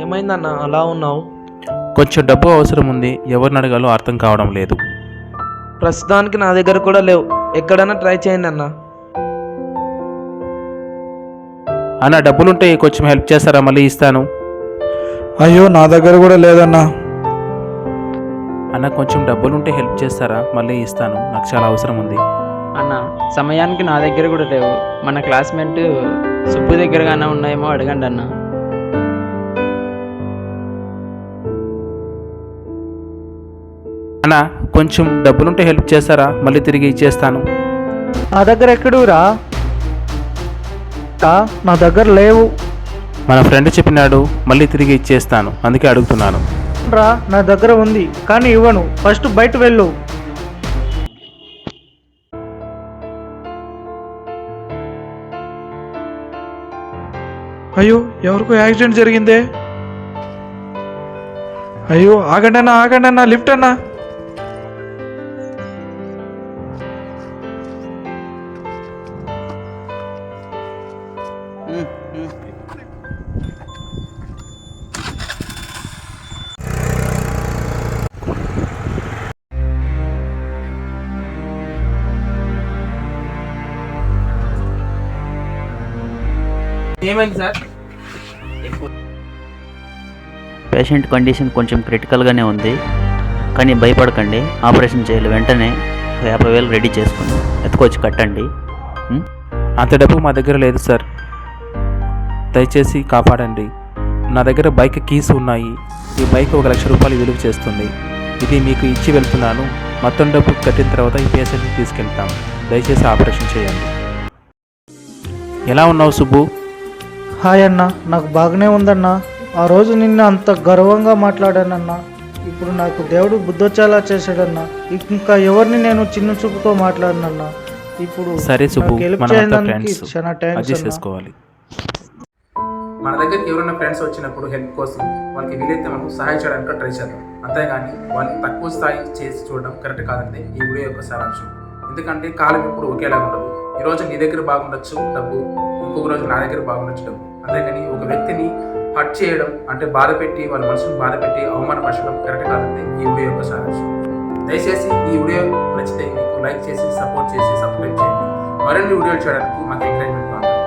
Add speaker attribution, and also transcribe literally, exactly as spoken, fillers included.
Speaker 1: ఏమైందన్న అలా ఉన్నావు?
Speaker 2: కొంచెం డబ్బు అవసరం ఉంది, ఎవరిని అడగాలో అర్థం కావడం లేదు.
Speaker 1: ప్రస్తుతానికి నా దగ్గర కూడా లేవు, ఎక్కడైనా ట్రై చేయండి అన్న.
Speaker 2: అన్న డబ్బులుంటే కొంచెం హెల్ప్ చేస్తారా? మళ్ళీ ఇస్తాను.
Speaker 3: అయ్యో నా దగ్గర కూడా లేదన్నా.
Speaker 2: అన్న కొంచెం డబ్బులుంటే హెల్ప్ చేస్తారా? మళ్ళీ ఇస్తాను, నాకు చాలా అవసరం ఉంది.
Speaker 4: అన్న సమయానికి నా దగ్గర కూడా లేవు, మన క్లాస్మేట్ సుబ్బు దగ్గరగానే ఉన్నాయేమో అడగండి అన్న.
Speaker 2: అన్న కొంచెం డబ్బులుంటే హెల్ప్ చేస్తారా? మళ్ళీ తిరిగి ఇచ్చేస్తాను.
Speaker 3: నా దగ్గర ఎక్కడురా? నా దగ్గర లేవు.
Speaker 2: మన ఫ్రెండ్ చెప్పినాడు మళ్ళీ తిరిగి ఇచ్చేస్తాను, అందుకే అడుగుతున్నాను.
Speaker 3: రా నా దగ్గర ఉంది కానీ ఇవ్వను, ఫస్ట్ బయట వెళ్ళు. అయ్యో ఎవరికో యాక్సిడెంట్ జరిగిందే. అయ్యో ఆగండి అన్న, ఆగండి అన్న, లిఫ్ట్ అన్నా.
Speaker 2: ఏమైంది సార్?
Speaker 5: పేషెంట్ కండిషన్ కొంచెం క్రిటికల్గానే ఉంది, కానీ భయపడకండి, ఆపరేషన్ చేయాలి. వెంటనే యాభై వేలు రెడీ చేసుకుని ఎత్తుకొచ్చి కట్టండి.
Speaker 2: అంత డబ్బు మా దగ్గర లేదు సార్, దయచేసి కాపాడండి. నా దగ్గర బైక్ కీస్ ఉన్నాయి, ఈ బైక్ ఒక లక్ష రూపాయలు విలువ చేస్తుంది. ఇది మీకు ఇచ్చి వెళ్తున్నాను, మొత్తం డబ్బు కట్టిన తర్వాత ఈ పేషెంట్ని తీసుకెళ్తాం. దయచేసి ఆపరేషన్ చేయండి. ఎలా ఉన్నావు సుబ్బు?
Speaker 3: హాయ్ అన్న, నాకు బాగానే ఉందన్నా. ఆ రోజు నిన్న అంత గర్వంగా మాట్లాడానన్నా, ఇప్పుడు నాకు దేవుడు బుద్ధొచ్చేలా చేశాడన్నా. ఇంకా ఎవరిని నేను చిన్న చూపుతో మాట్లాడినన్నా. ఇప్పుడు
Speaker 2: సరే సుబ్బు,
Speaker 3: చాలా
Speaker 2: అడ్జస్ట్ చేసుకోవాలి. మన దగ్గరికి ఎవరైనా ఫ్రెండ్స్ వచ్చినప్పుడు హెల్ప్ కోసం వాళ్ళకి వీలైతే మనం సహాయం చేయడానికి ట్రై చేద్దాం, అంతేగాని వాళ్ళకి తక్కువ స్థాయి చేసి చూడడం కరెక్ట్ కాదంటే ఈ వీడియో యొక్క సారాంశం. ఎందుకంటే కాలం ఇప్పుడు ఒకేలాగా ఉండదు. ఈ రోజు నీ దగ్గర బాగుండొచ్చు డబ్బు, ఇంకొక రోజు నా దగ్గర బాగుండొచ్చు డబ్బు. అంతేగాని ఒక వ్యక్తిని హర్ట్ చేయడం అంటే బాధ పెట్టి వాళ్ళ మనసును బాధ పెట్టి అవమానపరచడం కరెక్ట్ కాదంటే ఈ వీడియో యొక్క సారాంశం. దయచేసి ఈ వీడియో నచ్చితే మీకు లైక్ చేసి సపోర్ట్ చేసి సబ్స్క్రైబ్ చేయండి. మరిన్ని వీడియోలు చేయడానికి మాకు ఎంకరేజ్మెంట్ కావాలి.